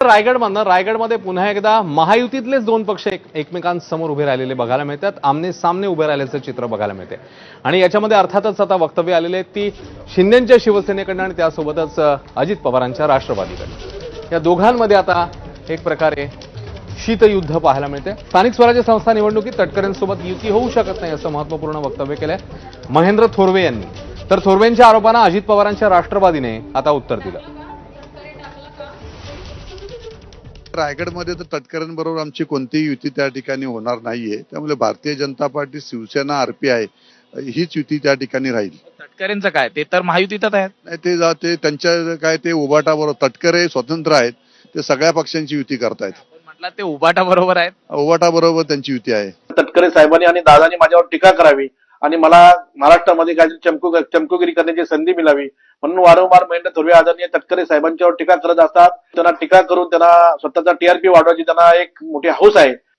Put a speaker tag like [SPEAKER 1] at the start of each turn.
[SPEAKER 1] रायगडमधनं रायगडमध्ये पुन्हा एकदा महायुतीतलेच दोन पक्ष एकमेकांसमोर उभे राहिलेले बघायला मिळतात. आमने सामने उभे राहिल्याचं चित्र बघायला मिळते आणि याच्यामध्ये अर्थातच आता वक्तव्य आलेले आहेत ती शिंदेंच्या शिवसेनेकडनं आणि त्यासोबतच अजित पवारांच्या राष्ट्रवादीकडनं. या दोघांमध्ये आता एक प्रकारे शीतयुद्ध पाहायला मिळते. स्थानिक स्वराज्य संस्था निवडणुकीत तटकरेंसोबत युती होऊ शकत नाही असं महत्त्वपूर्ण वक्तव्य केलंय महेंद्र थोरवे यांनी. तर थोरवेंच्या आरोपांना अजित पवारांच्या राष्ट्रवादीने आता उत्तर दिलं.
[SPEAKER 2] रायगडमध्ये तर तटकरेंबरोबर आमची कोणतीही युती त्या ठिकाणी होणार नाहीये. त्यामुळे भारतीय जनता पार्टी, शिवसेना, आरपीआय हीच युती त्या ठिकाणी राहील.
[SPEAKER 3] तटकरेंचं काय, ते तर महायुतीतच आहेत.
[SPEAKER 2] नाही, ते त्यांच्या काय ते उभाटा बरोबर, तटकरे स्वतंत्र आहेत, ते सगळ्या पक्षांची युती करतायत.
[SPEAKER 3] म्हटलं ते उभाटा बरोबर आहेत.
[SPEAKER 2] उभाटा बरोबर त्यांची युती आहे.
[SPEAKER 4] तटकरे साहेबांनी आणि दादानी माझ्यावर टीका करावी आणि मला महाराष्ट्रामध्ये काहीतरी चमकोगिरी करण्याची संधी मिळावी म्हणून वारंवार महेंद्र थोरवे आदरणीय तटकरे साहेबांच्यावर टीका करत असतात. त्यांना टीका करून त्यांना स्वतःचा टीआरपी वाढवायची त्यांना एक मोठी हौस आहे.